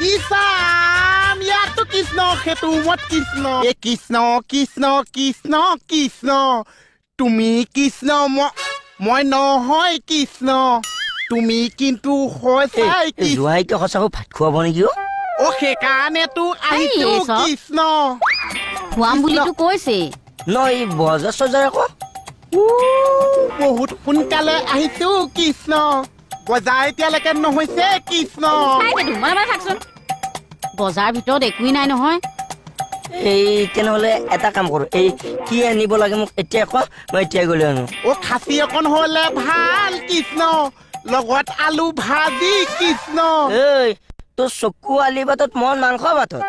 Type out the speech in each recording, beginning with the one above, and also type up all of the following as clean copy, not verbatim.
ইছাম ইয়াতো কৃষ্ণ সেইটো মত কৃষ্ণ এ কৃষ্ণ কৃষ্ণ কৃষ্ণ কৃষ্ণ তুমি কৃষ্ণ মই নহয় কৃষ্ণ তুমি কিন্তু হৈছাই জোৱাইকে সঁচাকৈ ভাত খুৱাব নেকি অ সেইকাৰণেতো আহিছো কৃষ্ণ খুৱাম বুলিতো কৈছে নহয় বজাৰ চজাৰ আকৌ বহুত সোনকালে আহিছো কৃষ্ণ বজাৰ এতিয়ালৈকে নহৈছে কৃষ্ণ থাকচোন বজাৰ ভিতৰত একোৱেই নাই নহয় এই তেনেহ'লে এটা কাম কৰো এই কি আনিব লাগে মোক এতিয়া কোৱা মই এতিয়া গ'লে আনো অ খাচী অকণ হলে ভাল কৃষ্ণ লগত আলু ভাজি কৃষ্ণ এই তোৰ চকু আলি বাটত মন মাংস বাটত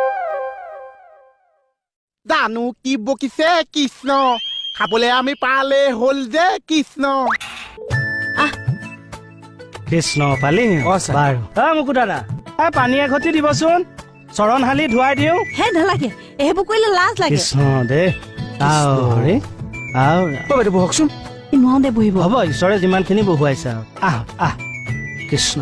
জানো কি বকিছে কৃষ্ণ খাবলৈ আমি পালে হ'ল যে কৃষ্ণ কৃষ্ণ পালি বাৰু মুকু দাদা পানী এঘটি দিবচোন চৰণ হালি ধুৱাই দিওঁ হে নালাগে এইবোৰ কৰিলে লাজ লাগে কৃষ্ণ দে বহকচোন নোৱাৰো দে বহিব হ'ব ঈশ্বৰে যিমানখিনি বহুৱাইছে আৰু আহ কৃষ্ণ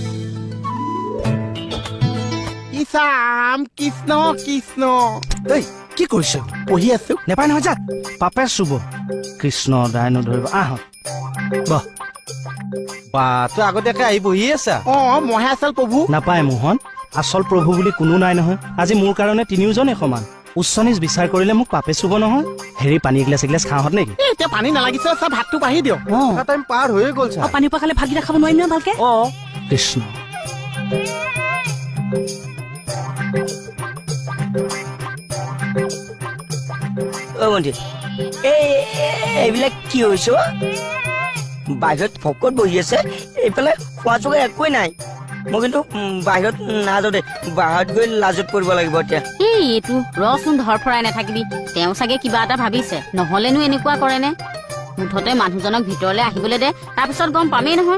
ইছাম কৃষ্ণ কৃষ্ণ এই কি কৰিছ পঢ়ি আছো নেপায় নহয় যা পাপে চুব কৃষ্ণ দাই নধৰিব বহ বা তই আগতীয়াকে আহি বহি আছা অ মহে আচল প্ৰভু নাপায় মোহন আচল প্ৰভু বুলি কোনো নাই নহয় আজি মোৰ কাৰণে তিনিওজনে সমান উচ্চ নিজ বিচাৰ কৰিলে মোক পাপে চুব নহয় হেৰি পানী এগিলাচ এগিলাচ খাওঁহত নেকি এতিয়া পানী নালাগিছে চা ভাতটো বাঢ়ি দিয়ক টাইম পাৰ হৈয়ে গ'ল চা পানী পৰা খালে ভাতকেইটা খাব নোৱাৰিম নহয় ভালকে কৃষ্ণ মন্দিৰ এইবিলাক কি হৈছে বাহিৰত ভকত বহি আছে এইফালে খোৱা চোৱা একোৱেই নাই মই কিন্তু বাহিৰত নাযাওঁ দে বাহিৰত গৈ লাজত পৰিব লাগিব এতিয়া এইটো ৰচোন ধৰফৰাই নাথাকিবি তেওঁ চাগে কিবা এটা ভাবিছে নহলেনো এনেকুৱা কৰে নে মুঠতে মানুহজনক ভিতৰলৈ আহিবলৈ দে তাৰপিছত গম পামেই নহয়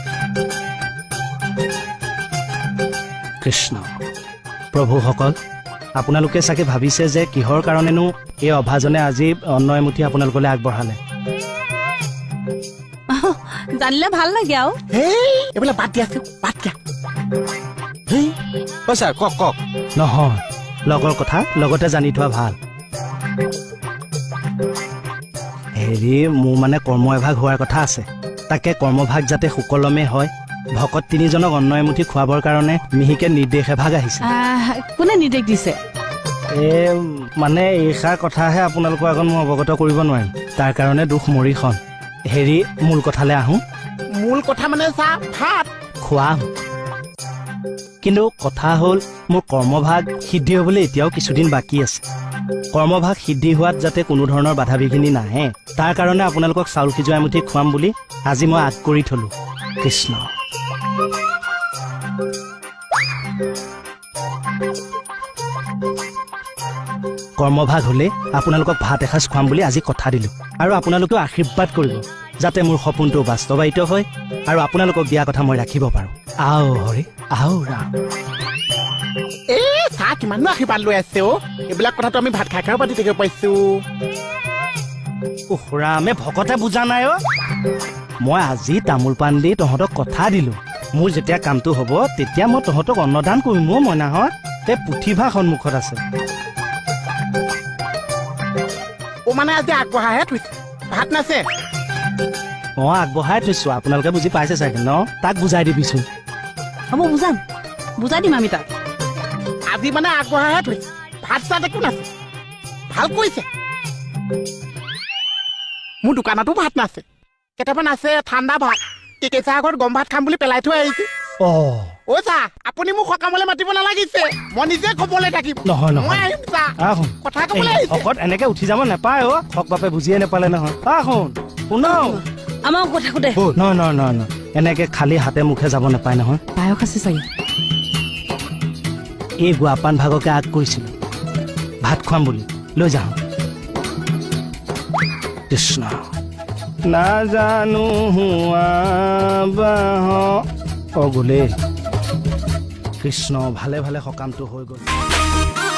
কৃষ্ণ প্ৰভুসকল আপোনালোকে চাগে ভাবিছে যে কিহৰ কাৰণেনো এই অভাজনে আজি অন্ন এমুঠি আপোনালোকলৈ আগবঢ়ালে জানিলে ভাল লাগে আৰু এইবিলাক বাদ দিয়াছো বাদ দিয়া ছাৰ কওক নহয় লগৰ কথা লগতে জানি থোৱা ভাল হেৰি মোৰ মানে কৰ্ম এভাগ হোৱাৰ কথা আছে তাকে কৰ্মভাগ যাতে সুকলমে হয় ভকত তিনিজনক অন্ন এমুঠি খুৱাবৰ কাৰণে মিহিকে নিৰ্দেশ এভাগ আহিছে কোনে নিৰ্দেশ দিছে মানে এইষাৰ কথাহে আপোনালোকৰ আগত মই অৱগত কৰিব নোৱাৰিম তাৰ কাৰণে দুখ মৰিখন হেৰি মূল কথালৈ আহোঁ মূল কথা মানে চা ভাত খুৱাম কিন্তু কথা হ'ল মোৰ কৰ্মভাগ সিদ্ধি হ'বলৈ এতিয়াও কিছুদিন বাকী আছে কৰ্মভাগ সিদ্ধি হোৱাত যাতে কোনো ধৰণৰ বাধা বিঘিনি নাহে তাৰ কাৰণে আপোনালোকক চাউল সিজোৱা এমুঠি খুৱাম বুলি আজি মই আগ কৰি থলো কৃষ্ণ কৰ্মভাগ হ'লে আপোনালোকক ভাত এসাঁজ খুৱাম বুলি আজি কথা দিলো আৰু আপোনালোকেও আশীৰ্বাদ কৰিব যাতে মোৰ সপোনটো বাস্তৱায়িত হয় আৰু আপোনালোকক দিয়া কথা মই ৰাখিব পাৰো আও হৰি আও ৰাম চাহ কিমাননো আশীৰ্বাদ লৈ আছে এইবিলাক কথাটো আমি ভাত খাই পাতি থাকিব পাইছো ৰামে ভকতে বুজা নাই মই আজি তামোল পাণ দি তহঁতক কথা দিলো মোৰ যেতিয়া কামটো হ'ব তেতিয়া মই তহঁতক অন্নদান কৰিম মইনাহঁত এই পুথিভাগ সন্মুখত আছে মানে আজি আগবঢ়াহে থৈছে ভাত নাছে আগবঢ়াই থৈছো আপোনালোকে বুজি পাইছে চাগে ন তাক বুজাই দিবিচোন হ'ব বুজাই দিম আমি তাক আজি মানে আগবঢ়াহে থৈছে ভাত চাত একো নাছে ভাল কৰিছে মোৰ দোকানতো ভাত নাছে কেইটামান আছে ঠাণ্ডা ভাত কেঁচা আগত গৰম ভাত খাম বুলি পেলাই থৈ আহিছো চা আপুনি মোক সকামলৈ মাতিব নালাগিছে মই নিজে খবলৈ থাকিম নহয় কথা কবলৈ ভকত এনেকে উঠি যাব নাপায় হক বাপে বুজিয়ে নাপালে নহয় শুন আমাৰ কথা সোধে নহয় এনেকে খালি হাতে মুখে যাব নাপায় নহয় পায়স আছে চাগে এই গুৱাপান ভাগকে আগ কৰিছিলো ভাত খুৱাম বুলি লৈ যাওঁ কৃষ্ণ নাজানো গ'লে কৃষ্ণ ভালে ভালে সকামটো হৈ গ'ল